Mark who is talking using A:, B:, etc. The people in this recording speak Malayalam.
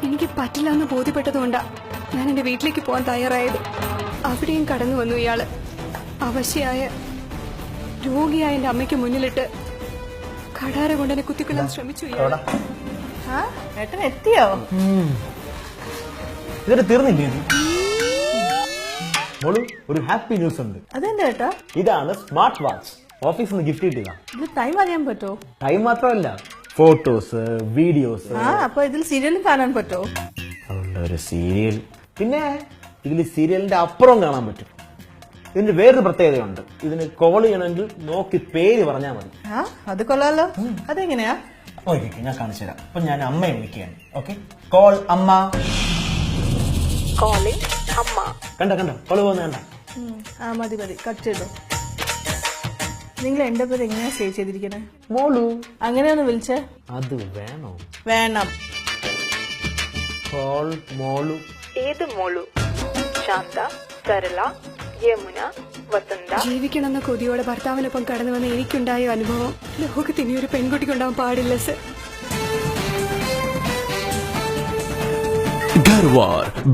A: എനിക്ക് പറ്റില്ല എന്ന് ബോധ്യപ്പെട്ടതുകൊണ്ടാ ഞാൻ എന്റെ വീട്ടിലേക്ക് പോകാൻ തയ്യാറായത്. അവിടെയും കടന്നു വന്നു ഇയാള്. അവശയായ രോഗിയായ എന്റെ അമ്മയ്ക്ക് മുന്നിലിട്ട് കടാര കൊണ്ട് എന്നെ കുത്തിക്കൊല്ലാൻ ശ്രമിച്ചു ഇയാള്.
B: ഏട്ടൻ എത്തിയോ?
C: ഇതൊരു തീർന്നില്ലേ ഇത്? മോളു, ഒരു ഹാപ്പി ന്യൂസ് ഉണ്ട്.
B: അതെന്താ ഏട്ടാ?
C: ഇതാണ് സ്മാർട്ട് വാച്ച്. ഓഫീസിൽ നിന്ന് ഗിഫ്റ്റ് കിട്ടിയതാ.
B: ഇത് ടൈം അറിയാൻ പറ്റോ?
C: ടൈം മാത്രമല്ല, ഫോട്ടോസ്, വീഡിയോസ്.
B: അപ്പൊ ഇതിൽ സീരിയലും കാണാൻ പറ്റോ?
C: അതുകൊണ്ട് ഒരു സീരിയൽ, പിന്നെ ഇതിൽ സീരിയലിന്റെ അപ്പുറം കാണാൻ പറ്റും. ഇതിന്റെ വേറൊരു പ്രത്യേകതയുണ്ട്. ഇതിന് കോൾ ചെയ്യണമെങ്കിൽ നോക്കി പേര് പറഞ്ഞാൽ മതി.
B: അത് കൊള്ളാലോ. അതെങ്ങനെയാ?
C: ഓക്കെ, ഞാൻ കാണിച്ചു തരാം. അപ്പൊ ഞാൻ അമ്മയെ വിളിക്കുകയാണ്. ഓക്കെ, കോൾ അമ്മ. കണ്ട കോള് പോകുന്ന കണ്ട.
B: മതി കട്ട് ചെയ്തോ. നിങ്ങൾ എന്റെ പേര് എങ്ങനെയാ സേവ് ചെയ്തിരിക്കണേ?
C: മോളു.
B: അങ്ങനെയൊന്ന് വിളിച്ചേ.
C: അത് വേണോ?
B: വേണം.
C: കോൾ മോളു.
D: ഏത് മോളു? ശാന്ത, സരള, യമുന, വസന്ത.
A: ജീവിക്കണമെന്ന കൊതിയോടെ ഭർത്താവിനൊപ്പം കടന്നു വന്ന എനിക്കുണ്ടായ അനുഭവം ലോകത്ത് ഇനി ഒരു പെൺകുട്ടിക്കുണ്ടാവാൻ പാടില്ല സർ.
E: Garwar